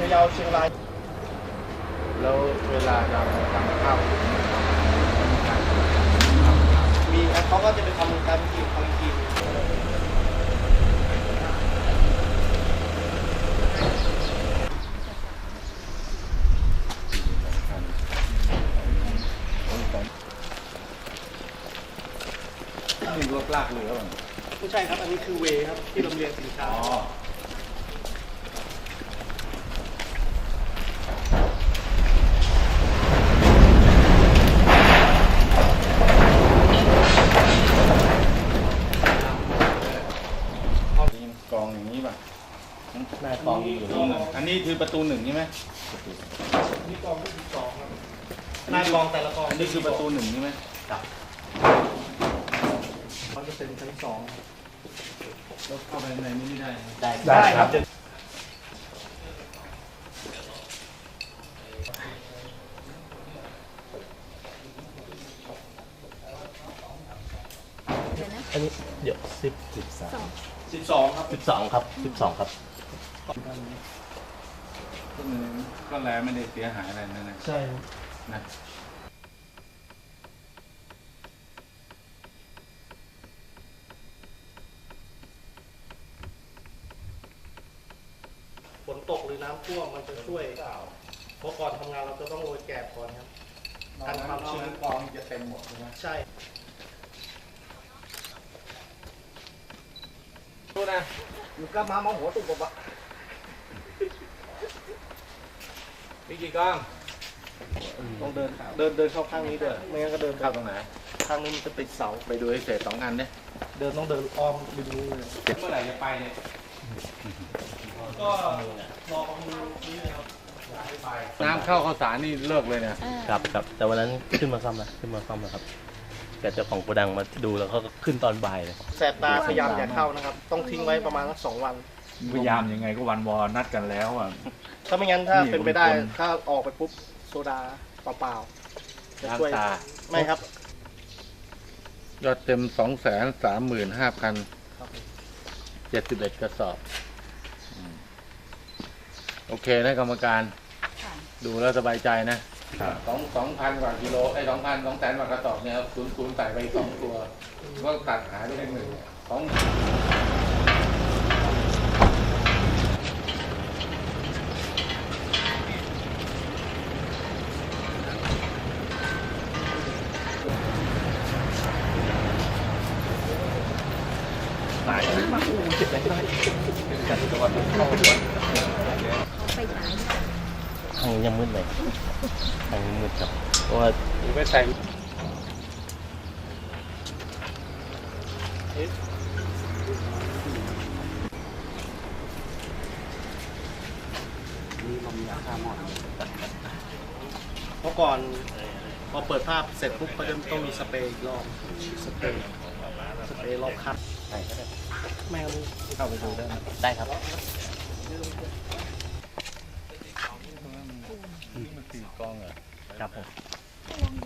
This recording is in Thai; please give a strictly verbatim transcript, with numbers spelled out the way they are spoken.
ะเยาเชียงรายแล้วเวลาเราทำข้าวมีครับเขาก็จะไปทำการกินทำกินนี่รถลากเรือป่ะไม่ใช่ครับอันนี้คือเวครับที่ลำเลียงสินค้ากองอย่างนี้ป่ะหน้ากองอยู่นี่อันนี้คือประตูหนึ่งใช่ไหมนี่กองที่สองครับหน้ากองแต่ละกองอันนี้คือประตูหนึ่งใช่ไหมครับมันจะเป็นชั้นสองแล้วเข้าไปในนี้ไม่ได้ได้ได้ครับอันนี้เดี๋ยวสิบสิบสามสิบสองครับสิบสองครับสิบสองครับก็แล้วไม่ได้เสียหายอะไรนั่นนะใช่นะฝนตกหรือน้ำท่วมมันจะช่วยเพราะก่อนทำงานเราจะต้องโรยแกบก่อนครับการความชื้นกองจะเต็มหมดใช่ไหมใช่ดูนะอยู่กับมามองหัวตุ่มบะมีกี่กองต้องเดินเดินเดินเข้าข้างนี้ด้วยไม่งั้นก็เดินเข้าตรงไหนข้างนี้มันจะติดเสาไปดูให้เสร็จสองอันเนี่ยเดินต้องเดินอ้อมริมนี้เลยเมื่อไหร่จะไปเนี่ยก็รอมือนี้นะครับน้ำเข้าข้าวสารนี่เลิกเลยเนี่ยครับครับแต่วันนั้นขึ้นมาซ่อมแล้วขึ้นมาซ่อมแล้วครับแกเจ้าของโกดังมาดูแล้วเขาก็ขึ้นตอนบ่ายเลยแสบตาพยายามอย่าเข้านะครับต้องทิ้งไว้ประมาณสักสองวันพยายามยังไงก็วันวอนัดกันแล้วอ่ะถ้าไม่งั้นถ้าเป็นไปได้ถ้าออกไปปุ๊บโซดาเปล่าๆจะช่วยไม่ครับยอดเต็มสองแสนสามหมื่นห้าพันเจ็ดสิบเอ็ดกระสอบโอเคนะกรรมการดูแล้วสบายใจนะสองสองพันกว่ากิโลไอ้สองพันสองแสนกว่ากระสอบเนี่ยศูนย์ศูนย์ใส่ไปสองตัวก็ตัดหายไปหนึ่งสองตายมาอู้เจ็บไปได้กันตัวเข้าหัวไปฉายทางยังมืดเลยทางมืดครับเพราะว่าไม่ใส่เพราะก่อนพอเปิดภาพเสร็จปุ๊บก็จะต้องมีสเปรย์อีกรอบสเปรย์สเปรย์รอบคัดใช่ก็ได้ไม่เอาเข้าไปดูได้ได้ครับมันสี่กองเหรอครับผม